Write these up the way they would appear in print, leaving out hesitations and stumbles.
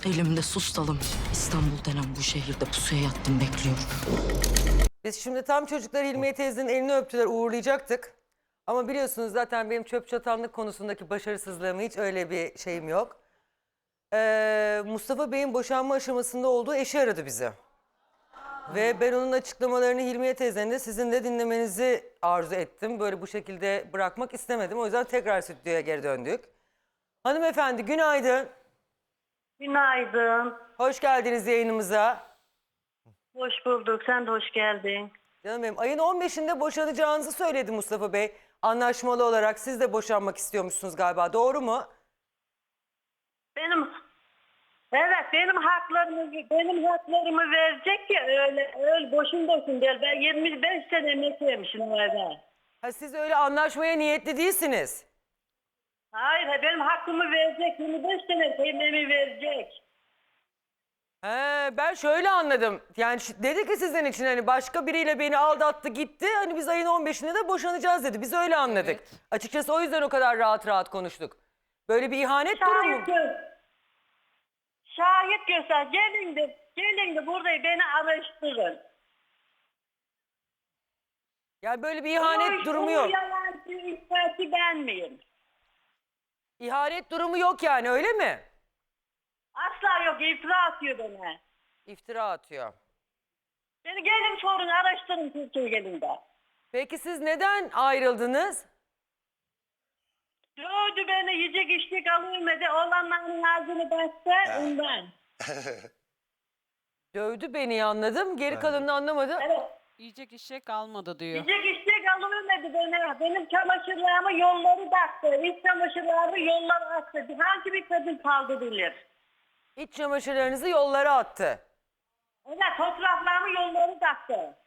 Elimde sustalım. İstanbul denen bu şehirde pusuya yattım, bekliyorum. Biz şimdi tam çocuklar Hilmiye teyzenin elini öptüler, uğurlayacaktık. Ama biliyorsunuz zaten benim çöp çatanlık konusundaki başarısızlığım, hiç öyle bir şeyim yok. Mustafa Bey'in boşanma aşamasında olduğu eşi aradı bizi. Ve ben onun açıklamalarını Hilmiye teyzenin de sizin de dinlemenizi arzu ettim. Böyle bu şekilde bırakmak istemedim. O yüzden tekrar stüdyoya geri döndük. Hanımefendi günaydın. Günaydın. Hoş geldiniz yayınımıza. Hoş bulduk. Sen de hoş geldin. Canım benim, ayın 15'inde boşanacağınızı söyledi Mustafa Bey. Anlaşmalı olarak siz de boşanmak istiyormuşsunuz galiba, doğru mu? Benim haklarımı verecek ki öyle boşun boşun değil. Ben 25 sene emek vermişim o eve. Ha, siz öyle anlaşmaya niyetli değilsiniz. Hayır, benim hakkımı verecek. 25 sene emeğimi verecek. Ben şöyle anladım. Yani dedi ki sizin için hani başka biriyle beni aldattı gitti. Hani biz ayın 15'inde de boşanacağız dedi. Biz öyle anladık. Evet. Açıkçası o yüzden o kadar rahat rahat konuştuk. Böyle bir ihanet durumu. Şahit göster. Gelin de burada beni araştırın. Yani böyle bir ihanet durumu yok. Yalancı ispatı ben miyim? İhanet durumu yok yani, öyle mi? Asla yok. İftira atıyor bana. İftira atıyor. Beni gelin sorun, araştırın Türkiye gelinde. Peki siz neden ayrıldınız? Dövdü beni, yiyecek içecek alıyormadı. Oğlanların ağzını bastı ondan. Dövdü beni, anladım. Geri kalanını anlamadım. Evet. Yiyecek içecek almadı diyor. Yiyecek içecek alıyormadı beni. Benim çamaşırlarımı yolları taktı. İç çamaşırlarımı yollara attı. Hangi bir kadın kaldırılır? İç çamaşırlarınızı yollara attı. Evet, fotoğraflarımı yolları taktı.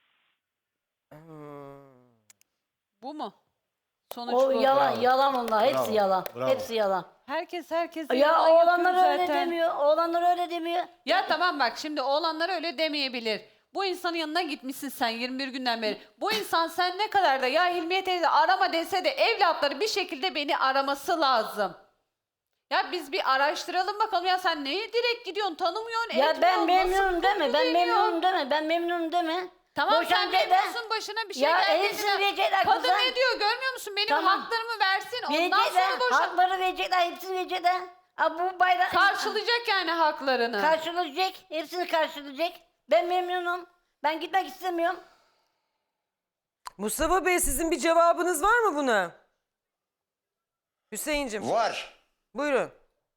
Bu mu? Sonuç O bu. yalan, yalan onlar. Hepsi Bravo, yalan. bravo. Hepsi yalan. Herkes Ya yalan oğlanlar yapıyor öyle zaten. demiyor. Oğlanlar öyle demiyor. Ya tamam bak, şimdi oğlanlar öyle demeyebilir. Bu insanın yanına gitmişsin sen 21 günden beri. Bu insan sen ne kadar da ya Hilmiye teyze arama dese de evlatları bir şekilde beni araması lazım. Ya biz bir araştıralım bakalım, ya sen neye direkt gidiyorsun, tanımıyorsun, Ya etmiyorsun, ben nasıl memnunum deme. konu Ben veriyor? memnunum deme. Ben memnunum deme. Tamam sen Boşanca da- memnunsun, başına bir şey Ya geldi. hepsini verecekler Kadın kızım. ne diyor görmüyor musun? Benim Tamam. haklarımı versin, ondan Verecekler. sonra boşan. Hakları verecekler. Hepsini verecekler. Bu bayrak Karşılayacak yani haklarını. karşılayacak. Hepsini karşılayacak. Ben memnunum. Ben gitmek istemiyorum. Mustafa Bey, sizin bir cevabınız var mı buna? Hüseyin'cim. Var. Buyurun.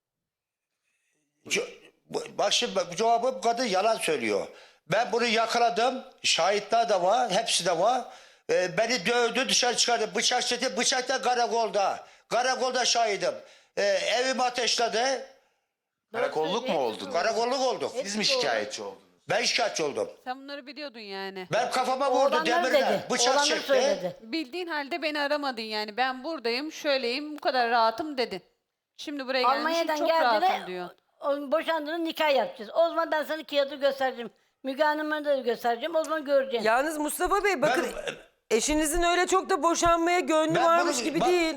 Bak şimdi bu cevabı bu kadın yalan söylüyor. Ben bunu yakaladım. Şahitler de var. Hepsi de var. Beni dövdü, dışarı çıkardı. Bıçak çekti. Bıçak da karakolda. Karakolda şahidim. Evimi ateşledi. Karakolluk mu oldun? Karakolluk olduk. Siz mi şikayetçi oldunuz? Ben şikayetçi oldum. Sen bunları biliyordun yani. Ben kafama vurdu Oğlanlar demirle. dedi. Bıçak Oğlanlar çekti. söyledi. Bildiğin halde beni aramadın yani. Ben buradayım, şöyleyim, bu kadar rahatım dedin. Şimdi buraya gelmişsin, Almanya'dan çok rahatım geldiler. diyor. Boşandığını nikah yapacağız. O zaman ben sana kağıdı göstereceğim. Müge Hanım'a da göstereceğim. O zaman göreceksin. Yalnız Mustafa Bey bakın, eşinizin öyle çok da boşanmaya gönlü varmış gibi değil.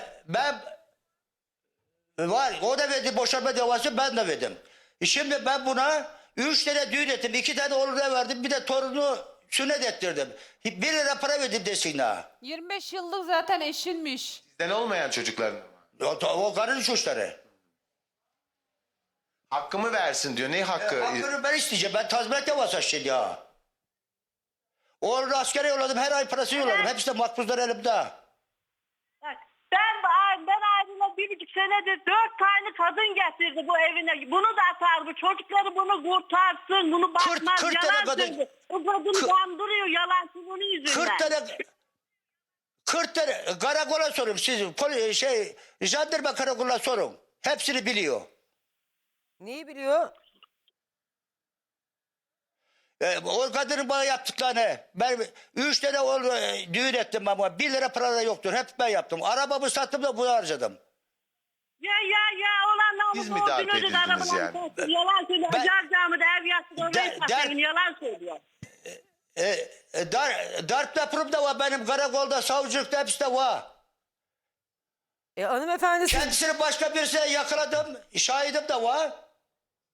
Var. O da verdi boşanma davası, ben de verdim. Şimdi ben buna 3 tane düğün ettim. 2 tane oğluna verdim. Bir de torunu sünnet ettirdim. 1 lira para verdim desin ha. 25 yıllık zaten eşinmiş. Sizden olmayan çocukların mı? O karının suçları. Hakkımı versin diyor. Ne hakkı? Hakkını ben isteyeceğim. Ben tazminat davası açtım ya. Oğlunu askere yolladım. Her ay parası yolladım. Hepsi de makbuzlar elimde. Bak, ben ayrıla 1,5 senedir 4 tane kadın getirdi bu evine. Bunu da atar, bu çocukları bunu kurtarsın, bunu bakmaz, 40 tane yalan kadın- söylüyor. O kadını kandırıyor, yalancı bunun yüzünden. 40 tane karakola sorun. Siz jandarma karakoluna sorun. Hepsini biliyor. Neyi biliyor? O kadının bana yaptıklarını. Ben 3 tane düğün ettim ama 1 lira para da yoktur. Hep ben yaptım. Arabamı sattım da bunu harcadım. Ya olan Siz mi namusu darp borcunu ödedi, edildiniz arabalarını yani? sattı, yalan söylüyor. Ben- Acar camide ev yatsın, orayı satayım, yalan söylüyor. Darp raporum da var benim, karakolda, savcılıkta, hepsi de var. Hanımefendi siz... Kendisini başka birisine yakaladım. Şahidim de var.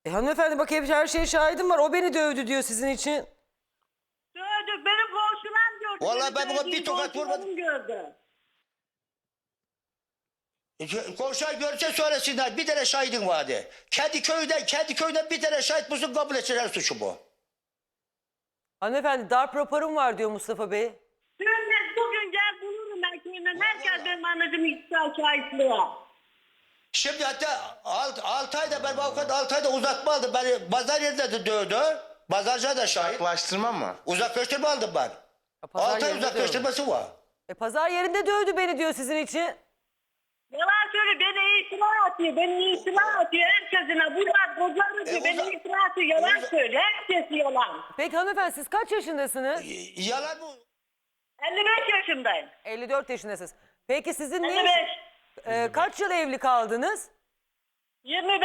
Hanımefendi bak hep her şeye şahidim var. O beni dövdü diyor sizin için. Dövdük. Benim komşularım gördü. Vallahi Benim ben buna bir dövdüğüm tokat komşularım vurmadım. gördü. Komşular görse söylesinler. Bir tane şahidin vardı. Kendi köyden bir tane şahit bulsun, kabul etsinler suçu bu. Hanımefendi darp raporum var diyor Mustafa Bey. Bugün gel bulurum ben köyümden. Herkes benim anacığım iktidar şahitliği. Şimdi hatta 6 ayda ben avukat 6 ayda uzatma aldım. Beni pazar yerinde de dövdü. Pazarcıya da şahit. Uzaklaştırma mı? Uzaklaştırma aldım ben. Pazar 6 ay yerinde uzaklaştırması var. Pazar yerinde dövdü beni diyor sizin için. Yalan söyle beni iftira atıyor. Beni iftira atıyor herkesine. Bunlar kocaları diyor. Beni iftira atıyor. Yalan söyle. Herkes yalan. Peki hanımefendi siz kaç yaşındasınız? Yalan bu. 55 yaşındayım. 54 yaşındasınız. Peki sizin 55. kaç yıl evli kaldınız? 25.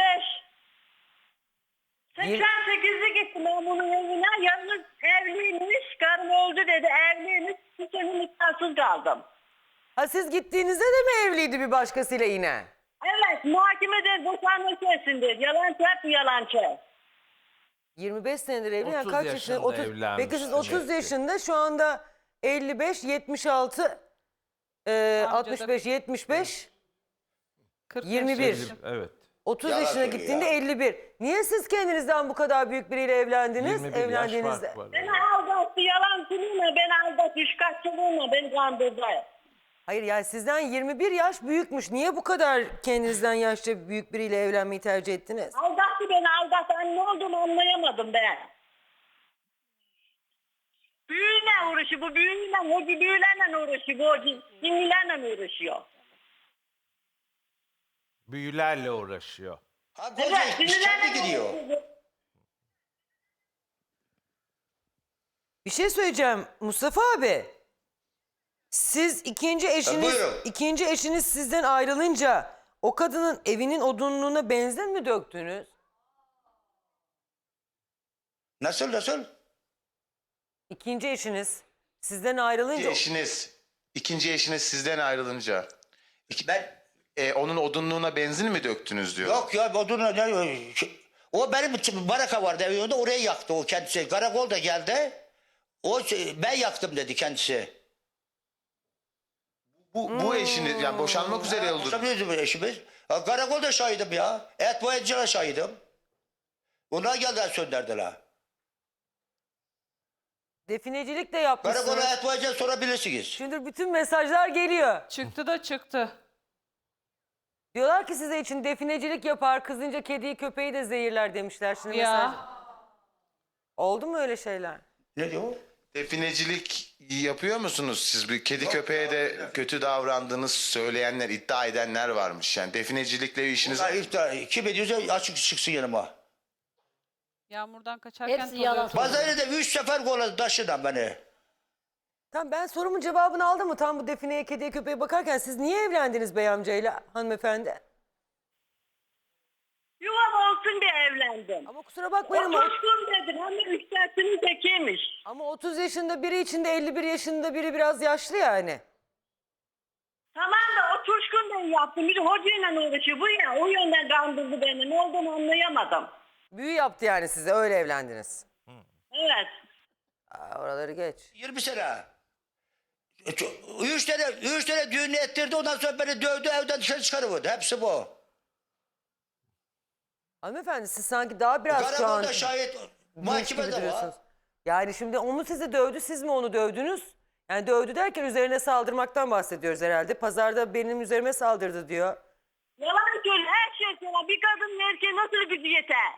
88'i gittim ben bunun evine. Yalnız evliymiş. Karım öldü dedi. Evliymiş. Bir sene nikahsız kaldım. Ha siz gittiğinizde de mi evliydi bir başkasıyla yine? Evet. Muhakemede boşanma kesindir. Yalancı hep yalancı. 25 senedir evli. Yani 30 kaç yaşında yaşında? 30. evlenmiş Peki siz demek 30 ki. yaşında şu anda 55, 76, 65, 75, 40 21. yaşında. Evet. 30 Yalan yaşına söylüyor gittiğinde ya. 51. Niye siz kendinizden bu kadar büyük biriyle evlendiniz? 21 yaş Evlendiğinizde. fark var. Beni aldattı. Yalancılığına beni aldattı. Üçkağıtçılığına beni kandırdı. Hayır yani sizden 21 yaş büyükmüş. Niye bu kadar kendinizden yaşça büyük biriyle evlenmeyi tercih ettiniz? Aldattı beni aldattı. Ne olduğumu anlayamadım ben. Büyüyle uğraşıyor bu büyüyle. O büyülerle uğraşıyor. Bu cinlilerle uğraşıyor. Büyülerle uğraşıyor. Ha Evet koca kendi cinlilerle gidiyor. uğraşıyor. Bir şey söyleyeceğim Mustafa abi. Siz buyurun. ikinci eşiniz sizden ayrılınca o kadının evinin odunluğuna benzin mi döktünüz? Nasıl? İkinci eşiniz sizden ayrılınca İkinci eşiniz sizden ayrılınca Ben onun odunluğuna benzin mi döktünüz diyor. yok ya odunla o benim baraka vardı evinde orayı yaktı o kendisi. Karakol da geldi. Ben yaktım dedi kendisi. Bu eşiniz yani boşanmak üzere oldu. Tabii eşimiz. Karakolda şahidim ya. Et boyacılara şahidim. Onlar geldiler söndürdüler. definecilik de yapmışsınız. Karakola et boyacıya sorabilirsiniz. Şimdi bütün mesajlar geliyor. Çıktı da çıktı. Diyorlar ki size için definecilik yapar, kızınca kediyi köpeği de zehirler demişler. Şimdi mesaj... Ya Oldu mu öyle şeyler? Ne diyor? Definecilik yapıyor musunuz siz? Bir kedi köpeğe de kötü davrandığınız söyleyenler, iddia edenler varmış. Yani definecilikle işiniz Bunlar iftira. Kim ediyorsa açık çıksın yanıma. yağmurdan kaçarken Hepsi yalan. Pazarda 3 sefer kolladı taşıdan beni. Tamam ben sorumun cevabını aldım mı? Tam bu defineye, kediye, köpeğe bakarken siz niye evlendiniz bey amcayla hanımefendi? Yuvam olsun diye evlendim. Ama kusura bakmayın ama, Otursun dedim. Hem de üçtersinin tekiymiş. ama 30 yaşında biri içinde 51 yaşında biri biraz yaşlı yani. Tamam da o Turşkun Bey yaptı. Bir hocayla uğraşıyor. Bu ya o yönden kandırdı beni. Ne olduğunu anlayamadım. Büyü yaptı yani size öyle evlendiniz. Evet. Oraları geç. 20 sene. 3 tane düğün ettirdi ondan sonra beni dövdü evden dışarı çıkarıverdi. Hepsi bu. Hanımefendi siz sanki daha biraz şu an Karakolda şahit dinç gibi mahkemede var. duruyorsunuz. Yani şimdi o mu sizi dövdü siz mi onu dövdünüz? Yani dövdü derken üzerine saldırmaktan bahsediyoruz herhalde. Pazarda benim üzerime saldırdı diyor. Yalan söyle. Her şey söyle. Bir kadının erkeğe nasıl gücü yeter?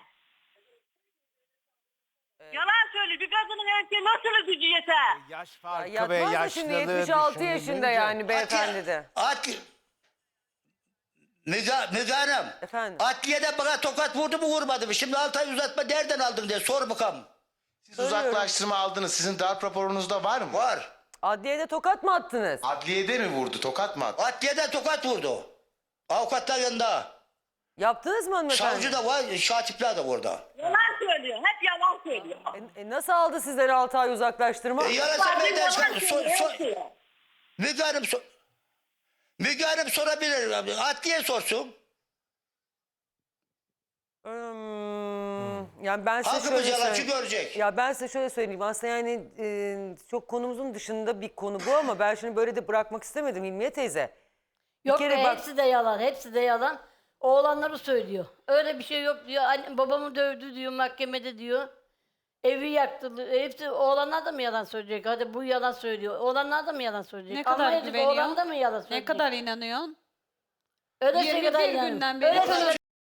Yalan söyle. Bir kadının erkeğe nasıl gücü yeter? Yaş farkı ve Yatmaz mı yaşlılığı şimdi 76 yaşında düşünülünce- yani beyefendi de. Müge Hanım. Efendim? Adliyede bana tokat vurdu mu vurmadı mı? Şimdi 6 ay uzatma nereden aldın diye sor bakalım. Siz uzaklaştırma aldınız. Sizin darp raporunuzda var mı? Var. Adliyede tokat mı attınız? Adliyede mi vurdu? Tokat mı attı? Adliyede tokat vurdu. Avukatlar yanında. Yaptınız mı hanımefendi? Savcı da var, şatipler de orada. Yalan söylüyor. Hep yalan söylüyor. Nasıl aldı sizden 6 ay uzaklaştırma? Yarasa Savcı benden yalan çıkar. söylüyor. her şeyi. Müge Hanım sorabilir. Adliye sorsun. Yani ben size Halkımız şöyle yalancı söyleyeyim. görecek. Ya ben size şöyle söyleyeyim. Aslında yani çok konumuzun dışında bir konu bu ama ben şimdi böyle de bırakmak istemedim Hilmiye teyze. Yok kere be, bak- hepsi de yalan, hepsi de yalan. Oğlanları söylüyor. Öyle bir şey yok diyor. Babamı dövdü diyor mahkemede diyor. Evi yaktı. Hepsi oğlanlar da mı yalan söyleyecek? Hadi bu yalan söylüyor. Oğlanlar da mı yalan söyleyecek? Ne kadar Almanya'daki güveniyor? oğlan da mı yalan Ne söyleyecek? kadar inanıyorsun? Öyle 21 kadar günden beri Öyle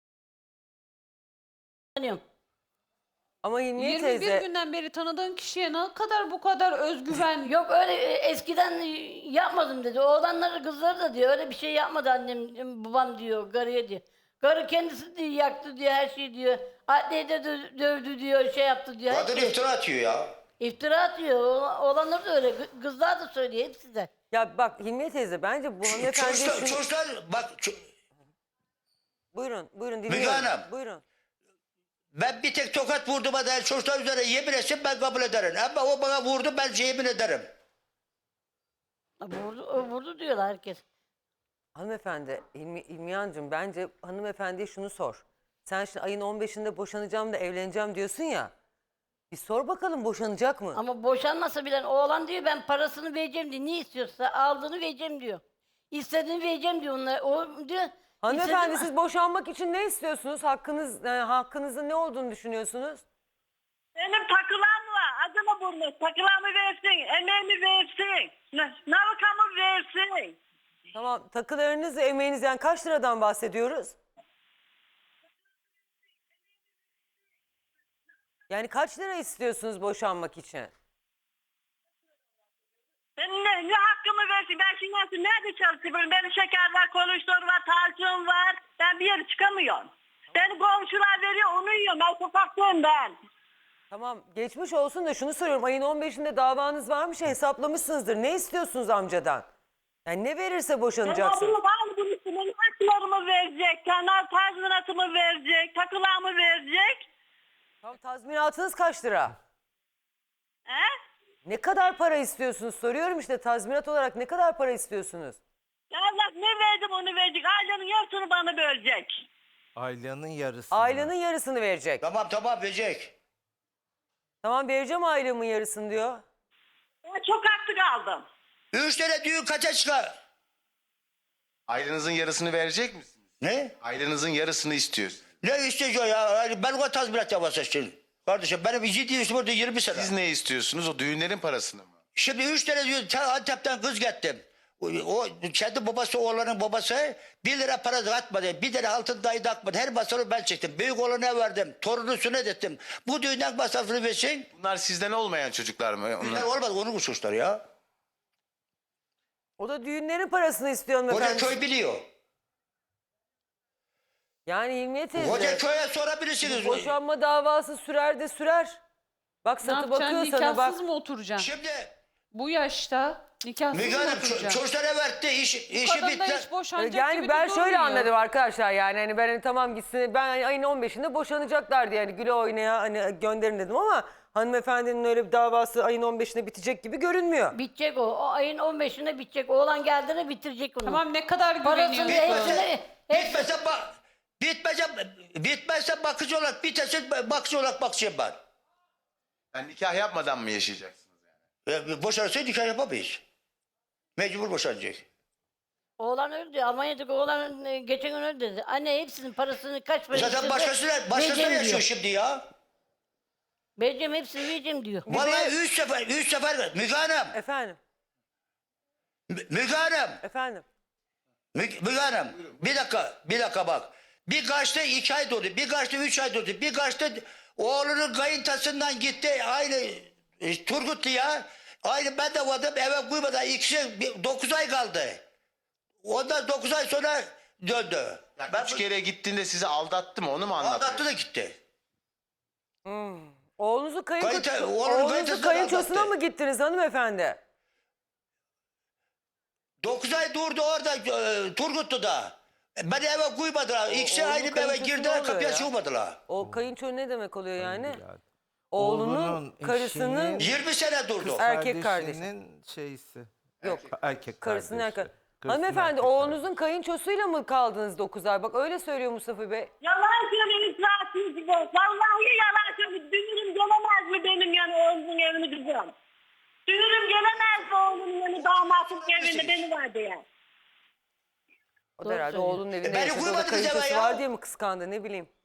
inanıyorum. Ama Hilmiye 21 teyze günden beri tanıdığın kişiye ne kadar bu kadar özgüven Yok öyle eskiden yapmadım dedi. Oğlanları kızları da diyor. Öyle bir şey yapmadı annem babam diyor. Karıya diyor. Karı kendisi diyor yaktı diyor her şeyi diyor. Adliyeyi de dövdü diyor şey yaptı diyor. her Kadın şey. iftira atıyor ya. İftira atıyor. Oğlanları da öyle. Kızlar da söylüyor hepsi de. ya bak Hilmiye teyze bence bu hanımefendi şunu... Çocuklar bak Buyurun Müge dinliyorum. Hanım. Buyurun. ben bir tek tokat vurduğuma dair çocuklar üzerine yemin etsem ben kabul ederim. Ama o bana vurdu ben yemin ederim. Vurdu diyorlar herkes. Hanımefendi İlmiyancığım bence hanımefendiye şunu sor. Sen şimdi ayın 15'inde boşanacağım da evleneceğim diyorsun ya. Bir sor bakalım boşanacak mı? Ama boşanmasa bile oğlan diyor ben parasını vereceğim diyor. Ne istiyorsa aldığını vereceğim diyor. İstediğini vereceğim diyor onlar. O diyor. Hanımefendi istediğini- siz boşanmak için ne istiyorsunuz? Hakkınızın ne olduğunu düşünüyorsunuz? Benim takılam var. Adını bulmuş. Takılamı versin. Emeğimi versin. Navikamı versin. Tamam takılarınız ve emeğiniz yani kaç liradan bahsediyoruz? Yani kaç lira istiyorsunuz boşanmak için? Benim ne hakkımı versin? Ben şimdi nerede çalışıyorum? Benim şeker var, kolesterol var, tansiyon var. Ben bir yere çıkamıyorum. Beni komşular veriyor, onu yiyorum. Ben sokaktayım ben. Tamam geçmiş olsun da şunu soruyorum. Ayın 15'inde davanız varmış ya hesaplamışsınızdır. Ne istiyorsunuz amcadan? Yani ne verirse boşanacaksınız. Bunu var mı bunun için? Benim haklarımı verecek. Kenar tazminatımı verecek. Takılamı verecek. Tamam, tazminatınız kaç lira? He? Ne kadar para istiyorsunuz soruyorum işte tazminat olarak ne kadar para istiyorsunuz? Allah ne verdim onu verecek. Ailenin yarısını bana bölecek. Ailenin yarısı. Ailenin yarısını verecek. Tamam verecek. Tamam vereceğim ailemin yarısını diyor. Ben çok haklı kaldım. 3 tane düğün kaça çıkar? Ailenizin yarısını verecek misiniz? Ne? Ailenizin yarısını istiyoruz. Ne istiyor ya? Yani ben o tazminat yapasın şimdi. Kardeşim benim ciddi işim orada 20 sene. Siz ne istiyorsunuz? O düğünlerin parasını mı? Şimdi 3 tane düğün Antep'ten kız getirdim. O kendi babası oğlanın babası 1 lira para atmadı. 1 lira altın dahi takmadı. Her masrafı ben çektim. Büyük oğlana verdim. Torunu sünnet ettim. Bu düğünden masrafını versin. Bunlar sizden olmayan çocuklar mı? Bunlar olmadı onun suçları ya. O da düğünlerin parasını istiyor Koca hanımefendi. köy biliyor. Yani Hilmiye teyze. Koca köye sorabilirsiniz. Boşanma davası sürer de sürer. Bak Ne satı yapacaksın? bakıyor sana bak. Nikahsız mı oturacaksın? Şimdi Bu yaşta nikahsız Müge mı Hanım oturacaksın? çocuklara verdi. işi Kadın da bitti. hiç boşanacak Yani gibi ben de şöyle durmuyor. anladım arkadaşlar yani hani ben hani tamam gitsin ben ayın 15'inde boşanacaklardı yani güle oynaya hani gönderin dedim ama hanımefendinin öyle bir davası ayın 15'inde bitecek gibi görünmüyor. Bitecek o. O ayın 15'inde bitecek. Oğlan geldiğinde bitirecek onu. Tamam ne kadar Parasını güveniyorsun? Bitmezse bakıcı olarak biterse bakıcı olarak bakacağım ben. Yani nikah yapmadan mı yaşayacaksınız yani? Boşanırsa nikah yapamayız. Mecbur boşanacak. Oğlan öldü. Almanya'daki oğlan geçen gün öldü dedi. Anne hepsinin parasını kaç para Zaten başkasıyla vereceğim yaşıyor diyor. şimdi ya. Vereceğim hepsini vereceğim diyor. Vallahi 3 sefer Müge Hanım. Efendim Müge Hanım. efendim. Müge Hanım. Bir dakika bak. Bir kaçta 2 ay durdu. Bir kaçta 3 ay durdu. Bir kaçta oğlunun kayıntasından gitti. Aynı Turgutlu ya. Aynı ben de vardım eve koymadan 9 ay kaldı. Ondan 9 ay sonra döndü. Yani 3 kere gittiğinde sizi aldattı mı? Onu mu anlatıyor? Aldattı da gitti. Oğlunuzu Oğlunun kayıntasından kayınçosuna aldattı. mı gittiniz hanımefendi? 9 ay durdu orada Turgutlu'da. Beni eve koymadılar. İkisi oğlunun aynı eve kayınçosu ne girdiler oluyor kapıya ya? çıkmadılar. O kayınço ne demek oluyor yani? Evladım. Oğlunun karısının 20 sene durdu. erkek kardeşi. kardeşinin şeysi. Yok. Erkek Karısının kardeşi. erkek. Hanımefendi oğlunuzun kayınçosuyla mı kaldınız 9 ay? Bak öyle söylüyor Mustafa Bey. Yalan söylüyor itirafsız gibi. Vallahi yalan söylüyor. Dünürüm gelemez mi benim yani oğlumun evini kızım? Dünürüm gelemez mi oğlumun yani damatın evine beni var diye. O da herhalde söylüyor. oğlunun evinde beni yaşadı. O da vurmadı bize be kayınçosu ya. var diye mi kıskandı ne bileyim.